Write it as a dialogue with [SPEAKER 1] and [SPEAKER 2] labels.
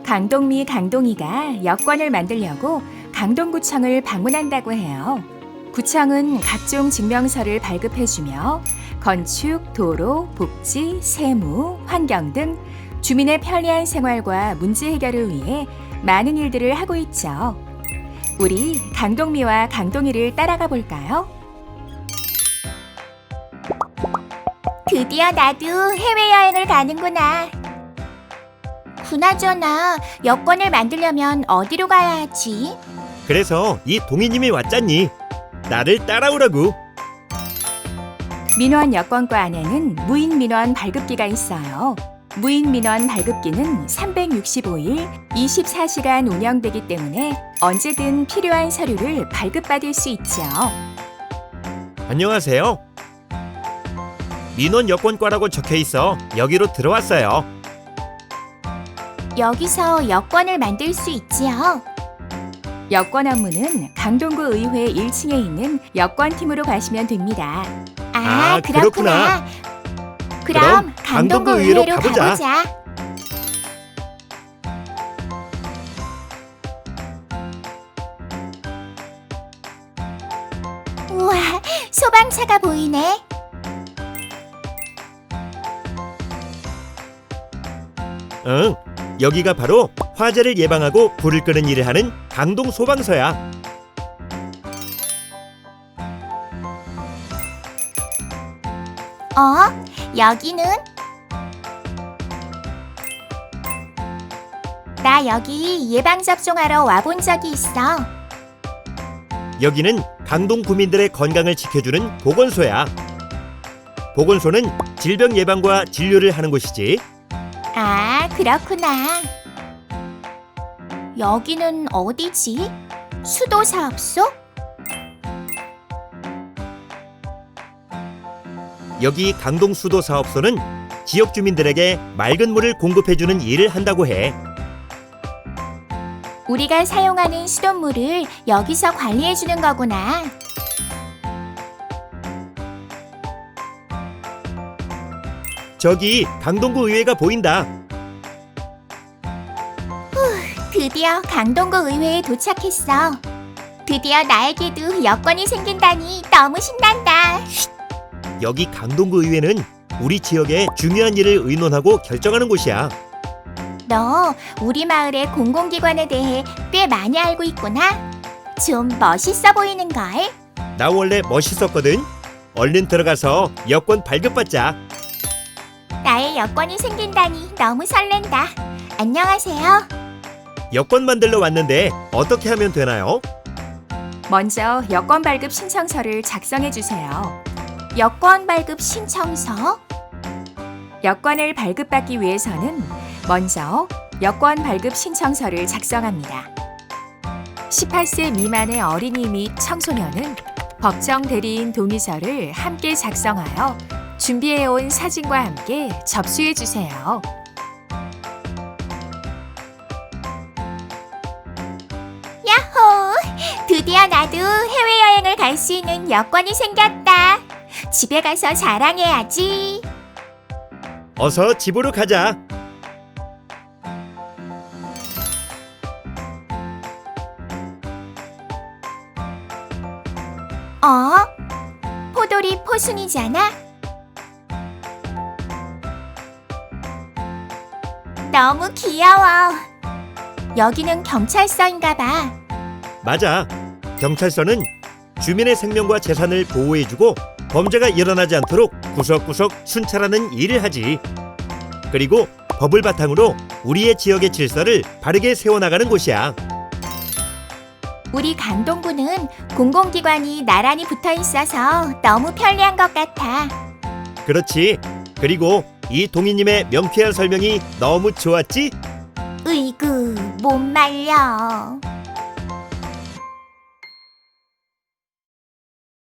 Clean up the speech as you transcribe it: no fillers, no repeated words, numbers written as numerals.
[SPEAKER 1] 강동미, 강동이가 여권을 만들려고 강동구청을 방문한다고 해요. 구청은 각종 증명서를 발급해주며 건축, 도로, 복지, 세무, 환경 등 주민의 편리한 생활과 문제 해결을 위해 많은 일들을 하고 있죠. 우리 강동미와 강동이를 따라가 볼까요?
[SPEAKER 2] 드디어 나도 해외여행을 가는구나. 그나저나 여권을 만들려면 어디로 가야 하지?
[SPEAKER 3] 그래서 이 동희님이 왔잖니. 나를 따라오라고.
[SPEAKER 1] 민원 여권과 안에는 무인 민원 발급기가 있어요. 무인 민원 발급기는 365일 24시간 운영되기 때문에 언제든 필요한 서류를 발급받을 수 있죠.
[SPEAKER 3] 안녕하세요. 민원 여권과라고 적혀 있어 여기로 들어왔어요.
[SPEAKER 2] 여기서 여권을 만들 수 있지요.
[SPEAKER 1] 여권 업무는 강동구 의회 1층에 있는 여권팀으로 가시면 됩니다.
[SPEAKER 2] 아,
[SPEAKER 3] 그렇구나.
[SPEAKER 2] 그럼 강동구 의회로
[SPEAKER 3] 가보자.
[SPEAKER 2] 가보자. 우와, 소방차가 보이네.
[SPEAKER 3] 응, 여기가 바로 화재를 예방하고 불을 끄는 일을 하는 강동 소방서야.
[SPEAKER 2] 여기는? 나 여기 예방접종하러 와본 적이 있어.
[SPEAKER 3] 여기는 강동 구민들의 건강을 지켜주는 보건소야. 보건소는 질병 예방과 진료를 하는 곳이지.
[SPEAKER 2] 아, 그렇구나. 여기는 어디지? 수도사업소?
[SPEAKER 3] 여기 강동 수도 사업소는 지역 주민들에게 맑은 물을 공급해주는 일을 한다고 해.
[SPEAKER 2] 우리가 사용하는 수돗물을 여기서 관리해주는 거구나.
[SPEAKER 3] 저기 강동구 의회가 보인다.
[SPEAKER 2] 드디어 강동구 의회에 도착했어. 드디어 나에게도 여권이 생긴다니 너무 신난다.
[SPEAKER 3] 여기 강동구 의회는 우리 지역의 중요한 일을 의논하고 결정하는 곳이야.
[SPEAKER 2] 너 우리 마을의 공공기관에 대해 꽤 많이 알고 있구나. 좀 멋있어 보이는걸?
[SPEAKER 3] 나 원래 멋있었거든. 얼른 들어가서 여권 발급받자.
[SPEAKER 2] 나의 여권이 생긴다니 너무 설렌다. 안녕하세요.
[SPEAKER 3] 여권 만들러 왔는데 어떻게 하면 되나요?
[SPEAKER 1] 먼저 여권 발급 신청서를 작성해 주세요.
[SPEAKER 2] 여권 발급 신청서?
[SPEAKER 1] 여권을 발급받기 위해서는 먼저 여권 발급 신청서를 작성합니다. 18세 미만의 어린이 및 청소년은 법정 대리인 동의서를 함께 작성하여 준비해온 사진과 함께 접수해 주세요.
[SPEAKER 2] 야호! 드디어 나도 해외여행을 갈 수 있는 여권이 생겼다. 집에 가서 자랑해야지.
[SPEAKER 3] 어서 집으로 가자.
[SPEAKER 2] 포도리 포순이잖아? 너무 귀여워. 여기는 경찰서인가 봐.
[SPEAKER 3] 맞아. 경찰서는 주민의 생명과 재산을 보호해주고 범죄가 일어나지 않도록 구석구석 순찰하는 일을 하지. 그리고 법을 바탕으로 우리의 지역의 질서를 바르게 세워나가는 곳이야.
[SPEAKER 2] 우리 강동구는 공공기관이 나란히 붙어 있어서 너무 편리한 것 같아.
[SPEAKER 3] 그렇지. 그리고 이 동희님의 명쾌한 설명이 너무 좋았지?
[SPEAKER 2] 으이구, 못 말려.